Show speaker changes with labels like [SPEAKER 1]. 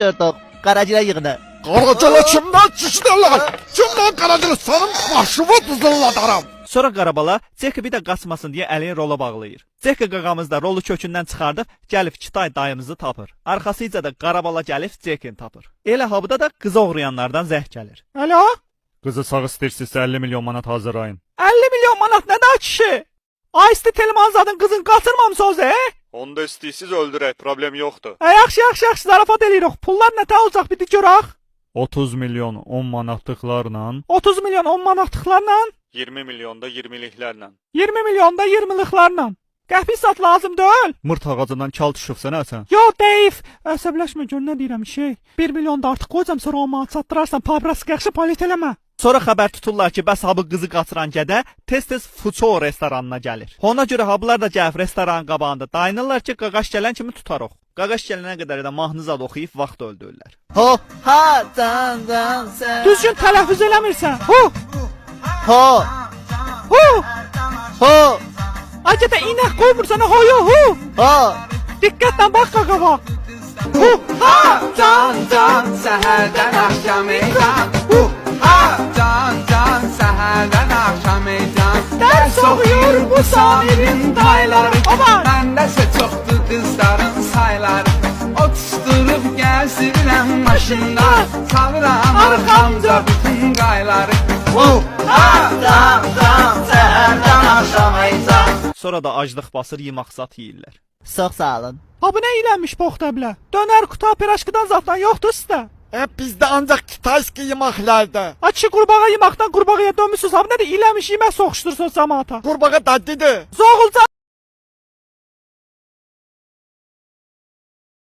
[SPEAKER 1] Dördük. Qaracılar yığını.
[SPEAKER 2] Qaracılı kimdən çişdirlər? Kimdən qaracılı? Sənin başımı dızılladaram.
[SPEAKER 3] Sonra Qarabala Ceki bir də qaçmasın deyə əlini rola bağlayır. Ceki qaqamız da rolu kökündən çıxardıb gəlib Kitay dayımızı tapır. Arxasıca da Qarabala gəlib Cekini tapır. Elə habıda da qızı oğrayanlardan zəh gəlir. Alo?
[SPEAKER 4] Qızı sağ istəyirsinizsə 50 milyon manat hazırlayın.
[SPEAKER 3] 50 milyon manat nə də kişi? Aysti Telmanzadın qızını qaçırmamısınız,
[SPEAKER 4] Onda istəyirsiniz öldürək, problem yoxdur.
[SPEAKER 3] Yaxşı, zarafat eləyirik. Pullar nə tə olacaq bir də görək.
[SPEAKER 4] 30 milyon 10 manatlıqlarla,
[SPEAKER 3] 30 milyon 10 manatlıqlarla,
[SPEAKER 4] 20 milyon da 20'liklərlə.
[SPEAKER 3] 20 milyon da 20'liklarla. Qəhvi sat lazım deyil.
[SPEAKER 4] Mırt ağacından kal düşübsən hə sən?
[SPEAKER 3] Yo Dave, əsəbləşmə gör nə deyirəm şey. 1 milyon da artıq qoyacam sonra o manat çatdırarsan, pabras yaxşı polit eləmə. Sonra xəbər tuturlar ki, bəs ha bu qızı qaçıran gədə tez-tez Fuço restoranına gəlir. Ona görə ha bunlar da gəlib restoranın qabağında dayanırlar ki, qaqaş gələn kimi tutarıq. Qaqaş gələnə qədər də mahnı zad oxuyub vaxt öldürürlər.
[SPEAKER 1] Ho, ha, dan, sən.
[SPEAKER 3] Düzgün tələffüz eləmirsən. Hu,
[SPEAKER 1] Ho,
[SPEAKER 3] hu.
[SPEAKER 1] ho,
[SPEAKER 3] Acədə inək qoymursan hoyu hu.
[SPEAKER 1] ho.
[SPEAKER 3] Diqqətlə bax qaqava.
[SPEAKER 5] Hu ha can səhərdən axşam eycan. Hu ha can səhərdən axşam eycan.
[SPEAKER 3] Dərs oxuyur bu Samirin dayları. Aman.
[SPEAKER 5] Məndəsə çoxdur qızların sayları. Otuşdurub gəzirəm maşında. Salıram arxamca bütün qayları. Hu ha can səhərdən axşam eycan.
[SPEAKER 3] Sonra da aclıq basır yemək zat yeyirlər.
[SPEAKER 1] Çox sağ olun.
[SPEAKER 3] Ha bu nə ilənmiş poxtablə? Dönər quta piraşkıdan zatdan yoxdur sizdə.
[SPEAKER 2] Bizdə ancaq kitayski yeməklərdə.
[SPEAKER 3] Açı qurbağa yeməkdən qurbağaya dönmüsünüz. Ha bu nədir ilənmiş yemək soxuşdursun cəmaata.
[SPEAKER 2] Qurbağa dadlıdır.
[SPEAKER 3] Zoğulca